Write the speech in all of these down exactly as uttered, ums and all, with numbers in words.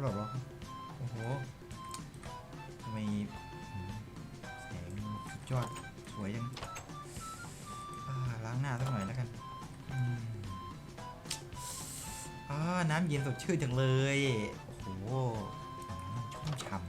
แบบว่าโอ้โหทำไมแสงสุดยอดสวยจังล้างหน้าสักหน่อยแล้วกันอ่าน้ำเย็นสดชื่นจังเลยโอ้โหชุ่มฉ่ำ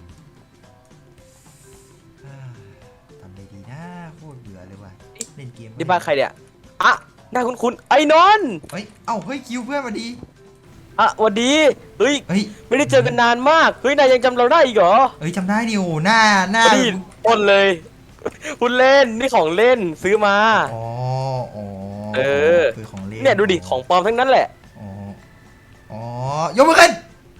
ทำอะไรดีนะโคตรเบื่อเลยว่ะเล่นเกมนี่บ้านใครเนี่ยอ่ะหน้าคุ้นๆไอ้นนท์เฮ้ยเอ้าเฮ้ยคิวเพื่อนมาดีอ่ะสวัสดีเฮ้ยเฮ้ยไม่ได้เจอกันนานมากเฮ้ยนายยังจำเราได้อีกเหรอเฮ้ยจำได้ดิโอ้หน้าหน้านี่ปนเลยคุณเล่นนี่ของเล่นซื้อมาอ๋ออ๋อเออคือของเล่นเนี่ยดูดิของปลอมทั้งนั้นแหละอ๋ออ๋อยกมือขึ้น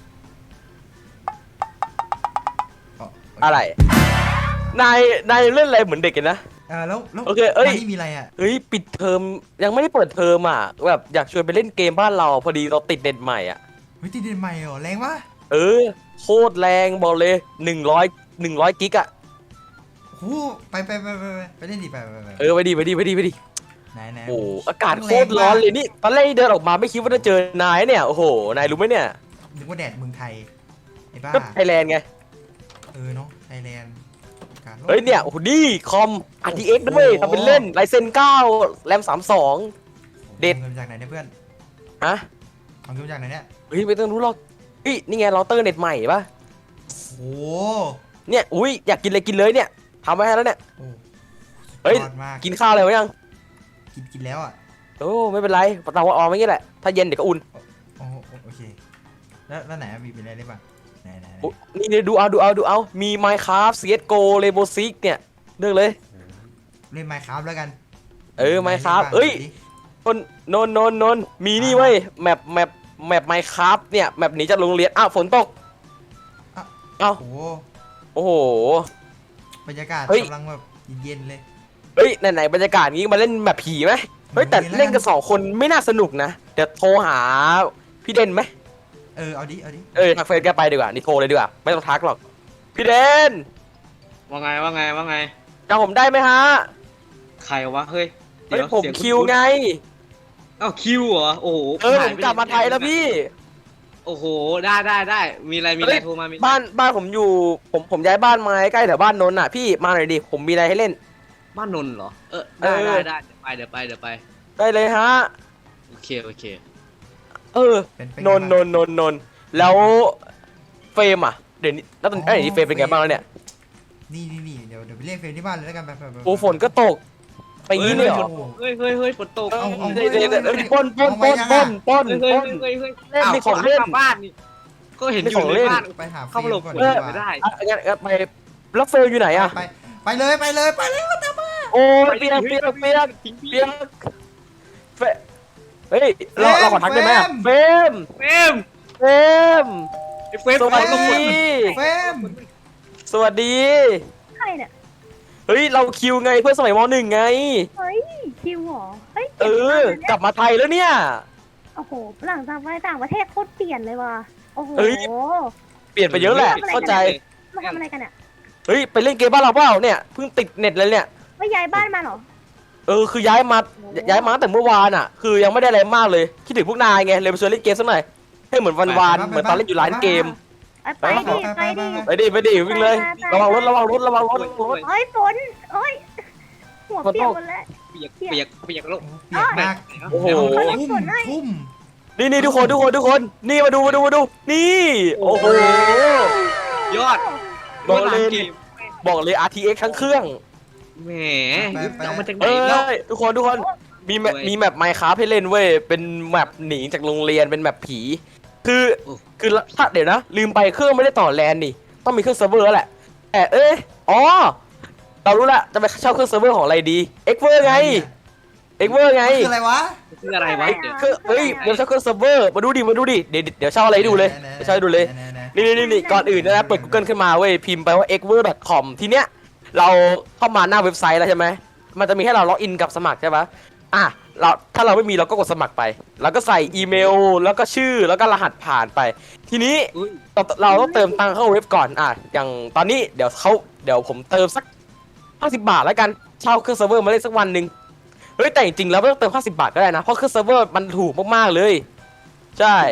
อะไรนายนายเล่นอะไรเหมือนเด็กกันนะอ่าแล้วแล้วโอเคเอ้ยนี่มีอะไรอ่ะเฮ้ยปิดเทอมยังไม่ได้เปิดเทอมอ่ะแบบอยากชวนไปเล่นเกมบ้านเราพอดีเราติดเน็ตใหม่อ่ะเฮ้ยติดเน็ตใหม่เหรอแรงวะเออโคตรแรงบอกเลยหนึ่งร้อยหนึ่งร้อยกิกอะโอ้ไปไปไปไปไปเล่นดิไปไปไปเออไปดีไปดีไปดีไปดีไหนไหนโอ้อากาศโคตรร้อนเลยนี่ตอนแรกเดินออกมาไม่คิดว่าจะเจอนายเนี่ยโอ้โหนายรู้ไหมเนี่ยนึกว่าแดดเมืองไทยไอ้บ้าก็ไทยแลนด์ไงเออเนาะไทยแลนด์เฮ้ยเนี่ยโอ้โหนี่คอม อาร์ ที เอ็กซ์ ด้วยทำเป็นเล่นไลเซนเก้าแรมสามสองเด็ดเงินจากไหนเนี่ยเพื่อนฮะเอาเงินจากไหนเนี่ยเฮ้ยไม่ต้องรู้หรอกเฮ้ยนี่ไงเราเตอร์เน็ตใหม่ปะโอ้เนี่ยอุ้ยอยากกินเลยกินเลยเนี่ยทำไว้ให้แล้วเนี่ยเฮ้ยกินข้าวอะไรไว้ยังกินกินแล้วอ่ะโอ้ไม่เป็นไรเตาออมไม่งี้แหละถ้าเย็นเดี๋ยวก็อุ่นโอ้โอเคแล้วแล้วไหนมีเป็นอะไรได้บ้างไหนไหนนี่ดูเอาดูเอาดูเอามี Minecraft ซี เอส จี โอ Rainbow Six เนี่ยเลือกเลยเล่น Minecraft แล้วกันเออ Minecraft เอ้ยนนนนนนมีนี่เว้ยแมปแมปแมป Minecraft เนี่ยแมปหนีจากโรงเรียนอ้าวฝนตกอ้าวโอ้โอ้โหบรรยากาศกำลังแบบเย็นๆเลยเฮ้ยไหนๆบรรยากาศนี้มาเล่นแมปผีไหมเฮ้ยแต่เล่นกันสองคนไม่น่าสนุกนะเดี๋ยวโทรหาพี่เด่นไหมเออเอาดิเอาดิเออทักเฟซแกไปดีกว่านี่โทรเลยดีกว่าไม่ต้องทักหรอกพี่เดนว่าไงว่าไงว่าไงจำผมได้ไหมฮะใครวะเฮ้ยเฮ้ยผมคิวไงเอ้าคิวเหรอโอ้โหเออผมกลับมาไทยแล้วพี่โอ้โหได้ได้ได้มีอะไรมีอะไรโทรมาบ้านบ้านผมอยู่ผมผมย้ายบ้านมาใกล้แถวบ้านนนท์อ่ะพี่มาหน่อยดิผมมีอะไรให้เล่นบ้านนนท์เหรอเออได้ได้ได้เดี๋ยวไปเดี๋ยวไปเดี๋ยวไปได้เลยฮะโอเคโอเคเออนนนนนนนแล้วเฟรมอ่ะเดี๋ยวนี้แล้วตอนนี้เฟรมเป็นไงบ้างแล้วเนี่ยนี่นี่นี่เดี๋ยวเดี๋ยวไปเรียกเฟรมที่บ้านเลยแล้วกันแบบแบบโอ้ฝนก็ตกไปงี้เลยเหรอเฮ้ยเฮ้ยเฮ้ยฝนตกเอาเอาเดี๋ยวเดี๋ยวเดี๋ยวปนปนปนปนปนเฮ้ยเฮ้ยเฮ้ยเล่นในของเล่นบ้านนี่ก็เห็นอยู่ในบ้านไปหาเข้ามาหลบฝนไม่ได้งั้นไปแล้วเฟรมอยู่ไหนอ่ะไปไปเลยไปเลยไปเลยตามมาโอ้เปียกเปียกเปียกเปียกเฟรเฮ้ยเราเราขอทักได้ไหมเฟรมเฟรมเฟรมเฟรมสวัสดีเฟรมสวัสดีใครเนี่ยเฮ้ยเราคิวไงเพื่อนสมัยม.หนึ่งไงเฮ้ยคิวหรอเฮ้ยเออกลับมาไทยแล้วเนี่ยโอ้โหหลังจากไปต่างประเทศโคตรเปลี่ยนเลยว่ะโอ้โหเปลี่ยนไปเยอะแหละเข้าใจมาทำอะไรกันเนี่ยเฮ้ยไปเล่นเกมบ้านเราเปล่าเนี่ยเพิ่งติดเน็ตเลยเนี่ยไม่ย้ายบ้านมาหรอเออคือย้ายมาย้ายมาตั้งแต่เมื่อวานอ่ะคือยังไม่ได้อะไรมากเลยคิดถึงพวกนายไงเลยไปชวนเล่นเกมสักหน่อยให้เหมือนวันวานเหมือนตอนเล่นอยู่ร้านเกมไปดิไปดิไปดิไปดิวิ่งเลยระวังรถระวังรถระวังรถเฮ้ยฝนเฮ้ยหัวเปียกหมดแล้วเปียกเปียกเปียกแล้วเปียกมากโอ้โหทุ่มนี่นี่ทุกคนทุกคนทุกคนนี่มาดูมาดูมาดูนี่โอ้โหยอดบอกเลยบอกเลย อาร์ ที เอ็กซ์ ทั้งเครื่องแหมเอามาจากไหนเอ้ยทุกคนทุกคนมีแมปมีแมป Minecraft ให้เล่นเว้ยเป็นแมปหนีจากโรงเรียนเป็นแมปผีคือคือถ้าเดี๋ยวนะลืมไปเครื่องไม่ได้ต่อแลนนี่ต้องมีเครื่องเซิร์ฟเวอร์แล้วแหละแต่เอ้ยอ๋อเรารู้ละจะไปเช่าเครื่องเซิร์ฟเวอร์ของอะไรดีเอ็กเวอร์ไงเอ็กเวอร์ไงคืออะไรวะคืออะไรวะคือเฮ้ยเดี๋ยวเช่าเครื่องเซิร์ฟเวอร์มาดูดิมาดูดิเดี๋ยวเดี๋ยวเช่าอะไรดูเลยเดี๋ยวเช่าดูเลยนี่นี่นี่ก่อนอื่นนะเปิด Google ขึ้นมาเว้ยพิมพ์ไปว่า เอ็กเวอร์ ดอท คอม ทีเนี้ยเราเข้ามาหน้าเว็บไซต์แล้วใช่ไหมมันจะมีให้เราล็อกอินกับสมัครใช่ปะอ่ะเราถ้าเราไม่มีเราก็กดสมัครไปแล้วก็ใส่อีเมลแล้วก็ชื่อแล้วก็รหัสผ่านไปทีนี้เราเราต้องเติมตังค์เข้าเว็บก่อนอ่ะอย่างตอนนี้เดี๋ยวเขาเดี๋ยวผมเติมสักห้าสิบบาทแล้วกันเช่าเครื่องเซิร์ฟเวอร์มาเล่นสักวันหนึ่งเฮ้ยแต่จริงๆแล้วไม่ต้องเติมห้าสิบบาทก็ได้นะเพราะเครื่องเซิร์ฟเวอร์มันถูกมากๆเลยใช่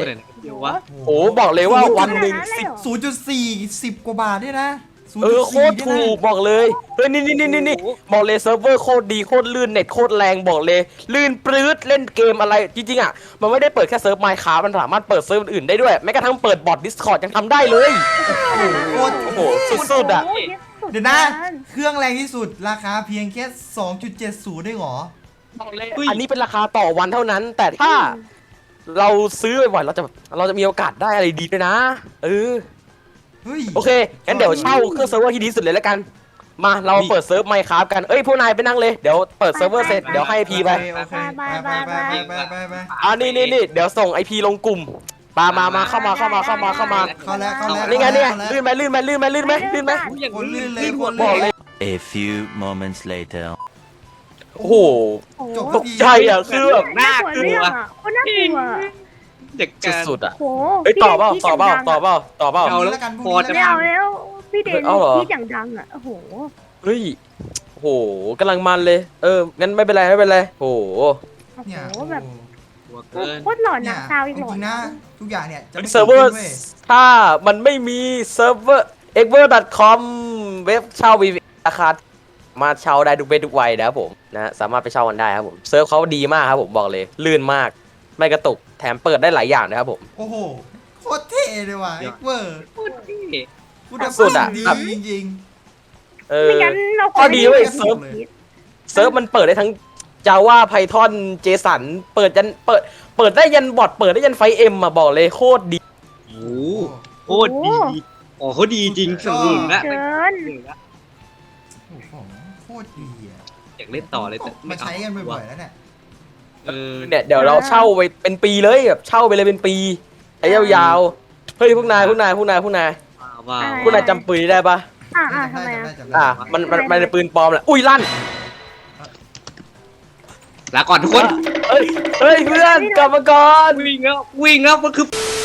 เดี๋ยววะโอ้บอกเลยว่าวันหนึ่งขนาดนั้นเลยสิบเหรอศูนย์จุดสี่สิบกว่าบาทเนี่ยนะเออโคตรถูกบอกเลยเฮ้ยนี่นี่นี่นี่บอกเลยเซิร์ฟเวอร์โคตรดีโคตรลื่นเน็ตโคตรแรงบอกเลย ลื่นปลื้ดเล่นเกมอะไรจริงๆอ่ะมันไม่ได้เปิดแค่เซิร์ฟไมค์คราฟมันสามารถเปิดเซิร์ฟอื่นได้ด้วยแม้กระทั่งเปิดบอท Discord ยังทำได้เลยโคตรโอ้โหสุดๆอ่ะโยสุเดี๋ยวนะกันเครื่องแรงที่สุดราคาเพียงแค่ สองจุดเจ็ดศูนย์ ได้หรอบอกเลยอันนี้เป็นราคาต่อวันเท่านั้น แต่ถ้าเราซื้อบ่อยๆเราจะเราจะมีโอกาสได้อะไรดีด้วยนะเออเฮ้ยโอเคงั้นเดี๋ยวเช่าเครื่องเซิร์ฟเวอร์ที่ดีที่สุดเลยแล้วกันมาเราเปิดเซิร์ฟไมค์คราฟกันเอ้ยพวกนายไปนั่งเลยเดี๋ยวเปิดเซิร์ฟเวอร์เสร็จเดี๋ยวให้พีไปโอเคโอเคไปไปไปไปไปไปอ่านี่นี่นี่เดี๋ยวส่งไอพีลงกลุ่มมามามาเข้ามาเข้ามาเข้ามาเข้ามาเข้าแล้วเข้าแล้วนี่ไงนี่ไงเข้าแล้วลื่นไหมลื่นไหมลื่นไหมลื่นไหมลื่นไหมอย่างคนลื่นเลยลื่นคหัวนลื่นบอกเลย A few moments later. โอ้โหโอ้โหจบตกใจอ่ะคือแบบน่าน่าก กลัลัววอ่ะโคตรน่ากลัวเด็กการสุดๆอ่ะโอ้โหเอ้ยต่อเปล่าพี่ต่อเปล่าดนต่อเปล่าต่อเปล่าเอาแล้วแล้วกันพพรุ่องนี้จะแล้วไม่กันเอาแล้วพี่เดนเอาเหรอพี่อย่างดังอ่ะโอ้โหเฮ้ยโอ้โหกำลังมันเลยเอองั้นไม่เป็นไรไม่เป็นไรโอ้โหโอ้โหเนี่ยแบบหัวเกินโคตรหลอนเนี่นะยซาวอีกจหลอนริงๆนะทุกอย่างเนี่ยจะไม่เซิร์ฟเวอร์ว้ยถ้ามันไม่มีเซิร์ฟเวอร์ เอ็กเวอร์ ดอท คอม เว็บเช่า วี วี ราคามาเช่าได้ทุกเพศทุกวัยนะครับผมนะสามารถไปเช่ากันได้ครับผมเซิร์ฟเขาดีมากครับผมบอกเลยลื่นมากไม่กระตุกแถมเปิดได้หลายอย่างนะครับผมโอ้โหโคตรเท่เลยว่ะเดี๋เอ็ยวกเวอร์โคตรเท่คุณภาพสุดอะดีแบบจริงเออไม่งั้นเราข้อดีเว้ยไม่ไเซิร์ฟเลยเซิร์ฟมันเปิดได้ทั้ง Java Python JSON เปิดยันเปิดเปิดได้ยันบอทเปิดได้ยันไฟเอ็มมาบอกเลยโคตรดีโอ้โหโคตรดีโอ้เขาดีจริงสนุนละเกินโอ้โหโคตรดีอ่ะอยากเล่นต่อเลยแต่มาใช้กันบ่อยๆแล้วเนี่ยเออเนี่ยเดี๋ยวเราเช่าไปเป็นปีเลยแบบเช่าไปเลยเป็นปีใช้ยาวๆเฮ้ยพวกนายพวกนายพวกนายพวกนายว้าวพวกนายจำปืนนี้ได้ปะอ่าอ่าทำไมจำอ่ะด้จำได้อ่ะมันมันมันเป็นปืนปลอมแหละอุ้ยลั่นลาก่อนทุกคนเฮ้ยเฮ้ยเพื่อนกลับมาก่อนวิ่งแล้ววิ่งแล้วมันคือ